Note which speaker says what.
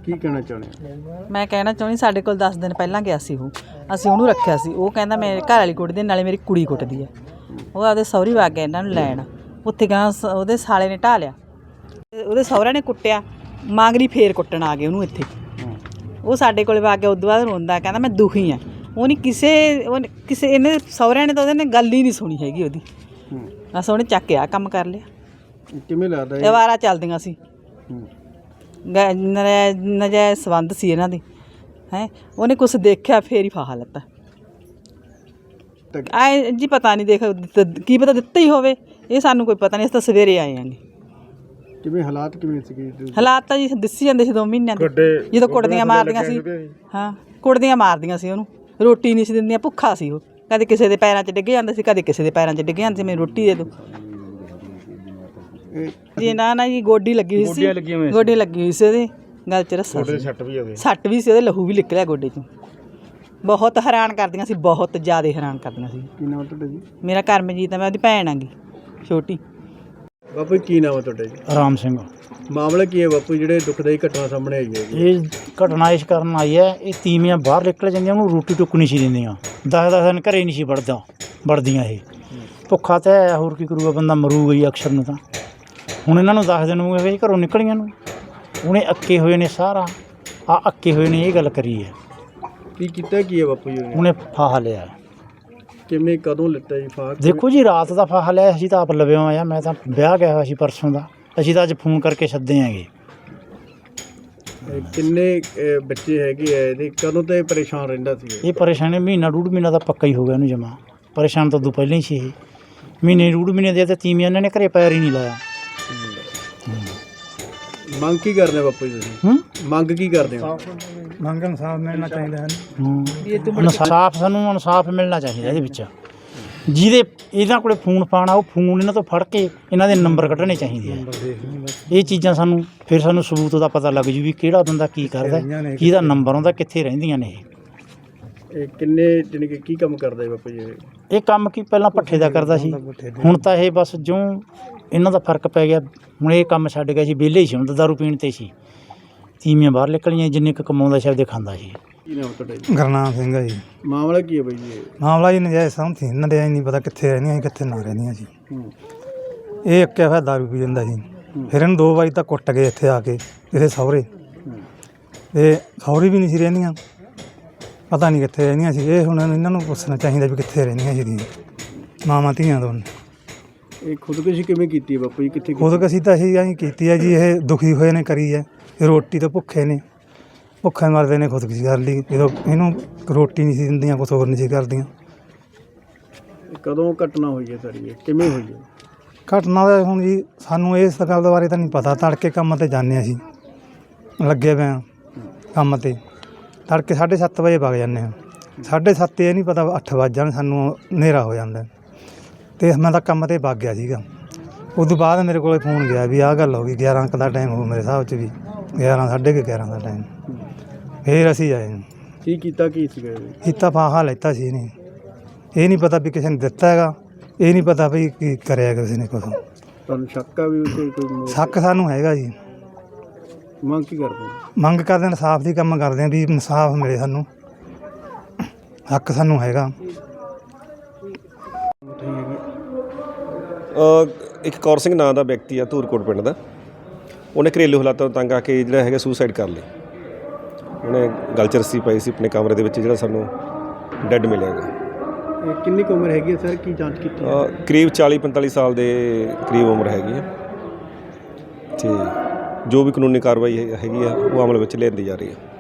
Speaker 1: ਕੀ ਕਹਿਣਾ ਚਾਹੁੰਦੇ ਹੋ?
Speaker 2: ਮੈਂ ਕਹਿਣਾ ਚਾਹੁੰਦੀ ਸਾਡੇ ਕੋਲ 10 ਦਿਨ ਪਹਿਲਾਂ ਗਿਆ ਸੀ ਉਹ, ਅਸੀਂ ਉਹਨੂੰ ਰੱਖਿਆ ਸੀ। ਉਹ ਕਹਿੰਦਾ ਮੇਰੇ ਘਰ ਵਾਲੀ ਕੁੱਟਦੀ ਨਾਲੇ ਮੇਰੀ ਕੁੜੀ ਕੁੱਟਦੀ ਹੈ। ਉਹ ਆਪਦੇ ਸਹੁਰੀ ਵਗ ਗਿਆ ਇਹਨਾਂ ਨੂੰ ਲੈਣ, ਉੱਥੇ ਗਾਂ ਉਹਦੇ ਸਾਲੇ ਨੇ ਢਾਹ ਲਿਆ, ਉਹਦੇ ਸਹੁਰਿਆਂ ਨੇ ਕੁੱਟਿਆ, ਮਾਂਗਰੀ ਫੇਰ ਕੁੱਟਣ ਆ ਗਏ ਉਹਨੂੰ ਇੱਥੇ। ਉਹ ਸਾਡੇ ਕੋਲ ਵਗ ਗਿਆ, ਉਦੋਂ ਬਾਅਦ ਰੋਂਦਾ ਕਹਿੰਦਾ ਮੈਂ ਦੁਖੀ ਹਾਂ। ਉਹ ਨਹੀਂ ਕਿਸੇ ਇਹਨੇ ਸਹੁਰਿਆਂ ਨੇ ਤਾਂ ਉਹਦੇ ਨੇ ਗੱਲ ਹੀ ਨਹੀਂ ਸੁਣੀ ਹੈਗੀ ਉਹਦੀ। ਬਸ ਉਹਨੇ ਚੱਕ ਕੇ ਆ ਕੰਮ ਕਰ ਲਿਆ।
Speaker 1: ਕਿਵੇਂ ਲੱਗਦਾ
Speaker 2: ਇਹ ਵਾਰਾ ਚੱਲਦੀਆਂ ਸੀ, ਨਜਾਇਜ਼ ਸੰਬੰਧ ਸੀ ਇਹਨਾਂ ਦੇ। ਹੈਂ ਉਹਨੇ ਕੁਛ ਦੇਖਿਆ ਫੇਰ ਹੀ ਫਾਹਾ ਲੱਤਾ। ਆਏ ਜੀ ਪਤਾ ਨਹੀਂ, ਦੇਖ ਕੀ ਪਤਾ ਦਿੱਤਾ ਹੀ ਹੋਵੇ, ਇਹ ਸਾਨੂੰ ਕੋਈ ਪਤਾ ਨਹੀਂ। ਅਸੀਂ ਤਾਂ ਸਵੇਰੇ ਆਏ ਆਂਗੇ।
Speaker 1: ਕਿਵੇਂ ਹਾਲਾਤ ਕਿਵੇਂ ਸੀਗੇ?
Speaker 2: ਹਾਲਾਤ ਤਾਂ ਜੀ ਦਿਸੀ ਜਾਂਦੇ ਸੀ 2 ਮਹੀਨਿਆਂ ਦੇ, ਜਦੋਂ ਕੁੱਟਦੀਆਂ ਮਾਰਦੀਆਂ ਸੀ। ਹਾਂ ਕੁੱਟਦੀਆਂ ਮਾਰਦੀਆਂ ਸੀ ਉਹਨੂੰ, ਰੋਟੀ ਨਹੀਂ ਸੀ ਦਿੰਦੀਆਂ, ਭੁੱਖਾ ਸੀ ਉਹ। ਕਦੇ ਕਿਸੇ ਦੇ ਪੈਰਾਂ 'ਚ ਡਿੱਗ ਜਾਂਦਾ ਸੀ, ਕਦੇ ਕਿਸੇ ਦੇ ਪੈਰਾਂ 'ਚ ਡਿੱਗ ਜਾਂਦੇ ਸੀ, ਮੈਨੂੰ ਰੋਟੀ ਦੇ ਦਿਓ ਜੀ। ਨਾ ਜੀ ਗੋਡੀ ਲੱਗੀ ਹੋਈ ਸੀ, ਗੋਡੀ ਲੱਗੀ ਹੋਈ ਸੀ ਉਹਦੇ ਗਲ 'ਚ ਰੱਸਾ ਸੀ, ਸੱਟ ਵੀ ਸੀ ਉਹਦੇ, ਲਹੂ ਵੀ ਨਿਕਲਿਆ ਗੋਡੇ 'ਚੋਂ। ਬਹੁਤ ਹੈਰਾਨ ਕਰਦੀਆਂ ਸੀ, ਬਹੁਤ ਜ਼ਿਆਦਾ ਹੈਰਾਨ ਕਰਦੀਆਂ ਸੀ।
Speaker 1: ਕੀ ਨਾਮ ਤੁਹਾਡਾ ਜੀ?
Speaker 2: ਮੇਰਾ ਕਰਮਜੀਤ ਹੈ, ਮੈਂ ਉਹਦੀ ਭੈਣ ਆਂਗੀ ਛੋਟੀ।
Speaker 1: ਬਾਪੂ ਕੀ ਨਾਮ ਹੈ ਤੁਹਾਡਾ ਜੀ?
Speaker 3: ਰਾਮ ਸਿੰਘ।
Speaker 1: ਮਾਮਲਾ ਕੀ ਹੈ ਬਾਪੂ, ਜਿਹੜੇ ਦੁਖਦਾਈ ਘਟਨਾ ਸਾਹਮਣੇ ਆਈ ਹੈ?
Speaker 3: ਇਹ ਘਟਨਾ ਇਸ ਕਾਰਨ ਆਈ ਹੈ, ਇਹ ਤੀਵੀਆਂ ਬਾਹਰ ਨਿਕਲ ਜਾਂਦੀਆਂ, ਉਹਨੂੰ ਰੋਟੀ ਟੁੱਕ ਨਹੀਂ ਸੀ ਦਿੰਦੀਆਂ। 10 ਦਿਨ ਘਰੇ ਨਹੀਂ ਸੀ ਵੜਦੀਆਂ ਇਹ। ਭੁੱਖਾ ਤਾਂ ਹੈ, ਹੋਰ ਕੀ ਕਰੂਗਾ ਬੰਦਾ, ਮਰੂਗਾ ਹੀ ਅਕਸਰ ਨੂੰ। ਤਾਂ ਹੁਣ ਇਹਨਾਂ ਨੂੰ 10 ਦਿਨ ਹੋ ਗਏ ਘਰੋਂ ਨਿਕਲੀਆਂ ਨੂੰ, ਉਹਨੇ ਅੱਕੇ ਹੋਏ ਨੇ ਸਾਰਾ ਅੱਕੇ ਹੋਏ ਨੇ, ਇਹ ਗੱਲ ਕਰੀ ਹੈ।
Speaker 1: ਕੀ ਕੀਤਾ ਕੀ ਹੈ ਬਾਪੂ ਜੀ
Speaker 3: ਉਹਨੇ ਫਾਹਾ ਲਿਆ।
Speaker 1: ਕਿਵੇਂ ਕਦੋਂ ਲਿੱਤਾ ਜੀ ਫਾਹਾ?
Speaker 3: ਦੇਖੋ ਜੀ ਰਾਤ ਦਾ ਫਾਹਾ ਲਿਆ, ਅਸੀਂ ਤਾਂ ਆਪ ਲਵਿਆ ਆਇਆ। ਮੈਂ ਤਾਂ ਵਿਆਹ ਗਿਆ ਹੋਇਆ ਸੀ ਪਰਸੋਂ ਦਾ, ਅਸੀਂ ਤਾਂ ਅੱਜ ਫੋਨ ਕਰਕੇ ਸੱਦੇ ਆਂਗੇ।
Speaker 1: ਕਿੰਨੇ ਬੱਚੇ ਹੈਗੇ ਆ ਇਹਦੇ? ਕਦੋਂ ਤੋਂ ਇਹ ਪਰੇਸ਼ਾਨ ਰਹਿੰਦਾ ਸੀ?
Speaker 3: ਇਹ ਪਰੇਸ਼ਾਨੀ ਮਹੀਨਾ 1.5 ਮਹੀਨਾ ਦਾ ਪੱਕਾ ਹੀ ਹੋ ਗਿਆ ਇਹਨੂੰ ਜਮਾ। ਪਰੇਸ਼ਾਨ ਤਾਂ ਉਦੋਂ ਪਹਿਲਾਂ ਹੀ ਸੀ ਇਹ। ਮਹੀਨੇ 1.5 ਮਹੀਨੇ ਦੇ ਤੇ ਤੀਵੀਆਂ ਇਹਨਾਂ ਨੇ ਘਰੇ ਪੈਰ ਹੀ ਨਹੀਂ ਲਾਇਆ।
Speaker 1: ਮੰਗ ਕੀ ਕਰਦੇ ਹੋ ਬਾਪੂ ਜੀ ਤੁਸੀਂ? ਮੰਗ ਕੀ ਕਰਦੇ ਹੋ?
Speaker 3: ਮੰਗ ਇਨਸਾਫ ਮਿਲਣਾ ਚਾਹੀਦਾ ਹੈ। ਇਨਸਾਫ, ਸਾਨੂੰ ਇਨਸਾਫ ਮਿਲਣਾ ਚਾਹੀਦਾ ਇਹਦੇ ਵਿੱਚ। ਜਿਹਦੇ ਇਹਨਾਂ ਕੋਲੇ ਫੋਨ ਪਾਣਾ, ਉਹ ਫੋਨ ਇਹਨਾਂ ਤੋਂ ਫੜ ਕੇ ਇਹਨਾਂ ਦੇ ਨੰਬਰ ਕੱਢਣੇ ਚਾਹੀਦੇ ਆ। ਇਹ ਚੀਜ਼ਾਂ ਸਾਨੂੰ ਫਿਰ ਸਾਨੂੰ ਸਬੂਤ ਦਾ ਪਤਾ ਲੱਗ ਜੂ ਵੀ ਕਿਹੜਾ ਬੰਦਾ ਕੀ ਕਰਦਾ, ਕਿਹਦਾ ਨੰਬਰ ਆਉਂਦਾ, ਕਿੱਥੇ ਰਹਿੰਦੀਆਂ ਨੇ
Speaker 1: ਇਹ। ਕਿੰਨੇ ਜਾਣੀ ਕਿ ਕੀ ਕੰਮ ਕਰਦਾ ਬਾਪੂ ਜੀ
Speaker 3: ਇਹ? ਕੰਮ ਕੀ ਪਹਿਲਾਂ ਭੱਠੇ ਦਾ ਕਰਦਾ ਸੀ, ਹੁਣ ਤਾਂ ਇਹ ਬਸ ਜੋ ਇਹਨਾਂ ਦਾ ਫਰਕ ਪੈ ਗਿਆ, ਹੁਣ ਇਹ ਕੰਮ ਛੱਡ ਗਿਆ ਸੀ। ਵਿਹਲੇ ਹੀ ਸੀ ਹੁਣ ਤਾਂ, ਦਾਰੂ ਪੀਣ 'ਤੇ ਸੀ। ਤੀਵੀਆਂ ਬਾਹਰ ਨਿਕਲੀਆਂ, ਜਿੰਨੇ ਕੁ ਕਮਾਉਂਦਾ ਸੀ ਆਪਦੇ ਖਾਂਦਾ ਸੀ।
Speaker 1: ਕੀ ਨਾਮ ਤੁਹਾਡਾ ਜੀ?
Speaker 4: ਗੁਰਨਾਮ ਸਿੰਘ ਹੈ ਜੀ।
Speaker 1: ਮਾਮਲਾ ਕੀ ਹੈ ਬਾਈ ਜੀ?
Speaker 4: ਮਾਮਲਾ ਜੀ ਨਜਾਇਜ਼ ਸੰਬੰਧ ਸੀ ਇਹਨਾਂ ਦੇ, ਨਹੀਂ ਪਤਾ ਕਿੱਥੇ ਰਹਿੰਦੀਆਂ ਸੀ ਕਿੱਥੇ ਨਾ ਰਹਿੰਦੀਆਂ ਸੀ। ਇਹ ਅੱਕਿਆ ਹੋਇਆ ਦਾਰੂ ਪੀ ਜਾਂਦਾ ਸੀ। ਫਿਰ ਇਹਨੂੰ 2 ਵਾਰੀ ਤਾਂ ਕੁੱਟ ਗਏ ਇੱਥੇ ਆ ਕੇ ਇਹਦੇ ਸਹੁਰੇ, ਅਤੇ ਸਹੁਰੇ ਵੀ ਨਹੀਂ ਸੀ ਰਹਿੰਦੀਆਂ, ਪਤਾ ਨਹੀਂ ਕਿੱਥੇ ਰਹਿੰਦੀਆਂ ਸੀ। ਇਹ ਹੁਣ ਇਹਨਾਂ ਨੂੰ ਪੁੱਛਣਾ ਚਾਹੀਦਾ ਵੀ ਕਿੱਥੇ ਰਹਿੰਦੀਆਂ ਸੀ ਮਾਵਾਂ ਧੀਆਂ ਦੋਨੇ।
Speaker 1: ਇਹ ਖੁਦਕੁਸ਼ੀ ਕਿਵੇਂ ਕੀਤੀ ਹੈ ਬਾਪੂ ਜੀ? ਕਿੱਥੇ
Speaker 4: ਖੁਦਕੁਸ਼ੀ ਤਾਂ ਅਸੀਂ ਐਂ ਕੀਤੀ ਹੈ ਜੀ, ਇਹ ਦੁਖੀ ਹੋਏ ਨੇ ਕਰੀ ਹੈ, ਇਹ ਰੋਟੀ ਤੋਂ ਭੁੱਖੇ ਨੇ, ਭੁੱਖੇ ਮਰਦੇ ਨੇ, ਖੁਦਕੁਸ਼ੀ ਕਰ ਲਈ। ਜਦੋਂ ਇਹਨੂੰ ਰੋਟੀ ਨਹੀਂ ਸੀ ਦਿੰਦੀਆਂ, ਕੁਛ ਹੋਰ ਨਹੀਂ ਸੀ ਕਰਦੀਆਂ।
Speaker 1: ਕਦੋਂ ਘਟਨਾ ਹੋਈ ਹੈ ਸਾਰੀ, ਇਹ ਕਿਵੇਂ ਹੋਈ ਹੈ
Speaker 4: ਘਟਨਾ ਦਾ ਹੁਣ ਜੀ ਸਾਨੂੰ ਇਸ ਗੱਲ ਬਾਰੇ ਤਾਂ ਨਹੀਂ ਪਤਾ। ਤੜਕੇ ਕੰਮ 'ਤੇ ਜਾਂਦੇ ਅਸੀਂ, ਲੱਗੇ ਪਏ ਹਾਂ ਕੰਮ 'ਤੇ, ਤੜਕੇ 7:30 ਵਜੇ ਵਗ ਜਾਂਦੇ ਹਾਂ। 7:30 ਇਹ ਨਹੀਂ ਪਤਾ 8 ਵੱਜ ਜਾਣ, ਸਾਨੂੰ ਹਨੇਰਾ ਹੋ ਜਾਂਦਾ। ਅਤੇ ਮੈਂ ਤਾਂ ਕੰਮ 'ਤੇ ਵਗ ਗਿਆ ਸੀਗਾ। ਉਦੋਂ ਬਾਅਦ ਮੇਰੇ ਕੋਲ ਫੋਨ ਗਿਆ ਵੀ ਆਹ ਗੱਲ ਹੋ ਗਈ। 11 ਕੁ ਦਾ ਟਾਈਮ ਹੋ ਮੇਰੇ ਹਿਸਾਬ 'ਚ ਵੀ, 11 ਸਾਢੇ 11 ਦਾ ਟਾਈਮ। ਫਿਰ ਅਸੀਂ ਆਏ।
Speaker 1: ਕੀ ਕੀਤਾ ਕੀ ਸੀਗਾ?
Speaker 4: ਕੀਤਾ ਫਾਹਾ ਲੈਤਾ ਸੀ ਇਹਨੇ। ਇਹ ਨਹੀਂ ਪਤਾ ਵੀ ਕਿਸੇ ਨੇ ਦਿੱਤਾ ਹੈਗਾ, ਇਹ ਨਹੀਂ ਪਤਾ ਵੀ ਕੀ ਕਰਿਆ ਕਿਸੇ ਨੇ ਕੁਛ।
Speaker 1: ਤੁਹਾਨੂੰ ਸ਼ੱਕ ਆ ਵੀ ਉੱਥੇ ਕੋਈ?
Speaker 4: ਸ਼ੱਕ ਸਾਨੂੰ ਹੈਗਾ ਜੀ।
Speaker 1: ਮੰਗ ਕੀ ਕਰਦੇ?
Speaker 4: ਮੰਗ ਕਰਦੇ ਇਨਸਾਫ ਦੀ ਕੰਮ ਕਰਦੇ ਹਾਂ ਵੀ ਇਨਸਾਫ ਮਿਲੇ ਸਾਨੂੰ, ਹੱਕ ਸਾਨੂੰ ਹੈਗਾ।
Speaker 5: ਇੱਕ ਕੌਰ ਸਿੰਘ ਨਾਂ ਦਾ ਵਿਅਕਤੀ ਆ, ਧੂਰਕੋਟ ਪਿੰਡ ਦਾ। ਉਹਨੇ ਘਰੇਲੂ ਹਾਲਾਤਾਂ ਤੋਂ ਤੰਗ ਆ ਕੇ ਜਿਹੜਾ ਹੈਗਾ ਸੁਸਾਈਡ ਕਰ ਲਿਆ। ਉਹਨੇ ਗਲ 'ਚ ਰੱਸੀ ਪਾਈ ਸੀ ਆਪਣੇ ਕਮਰੇ ਦੇ ਵਿੱਚ, ਜਿਹੜਾ ਸਾਨੂੰ ਡੈੱਡ ਮਿਲਿਆ ਹੈਗਾ।
Speaker 1: ਕਿੰਨੀ ਕੁ ਉਮਰ ਹੈਗੀ ਹੈ ਸਰ? ਕੀ ਜਾਂਚ ਕੀਤੀ?
Speaker 5: ਕਰੀਬ 40-45 ਸਾਲ ਦੇ ਕਰੀਬ ਉਮਰ ਹੈਗੀ ਹੈ। ਅਤੇ ਜੋ ਵੀ ਕਾਨੂੰਨੀ ਕਾਰਵਾਈ ਹੈਗੀ ਆ ਉਹ ਅਮਲ ਵਿੱਚ ਲਿਆਂਦੀ ਜਾ ਰਹੀ ਹੈ।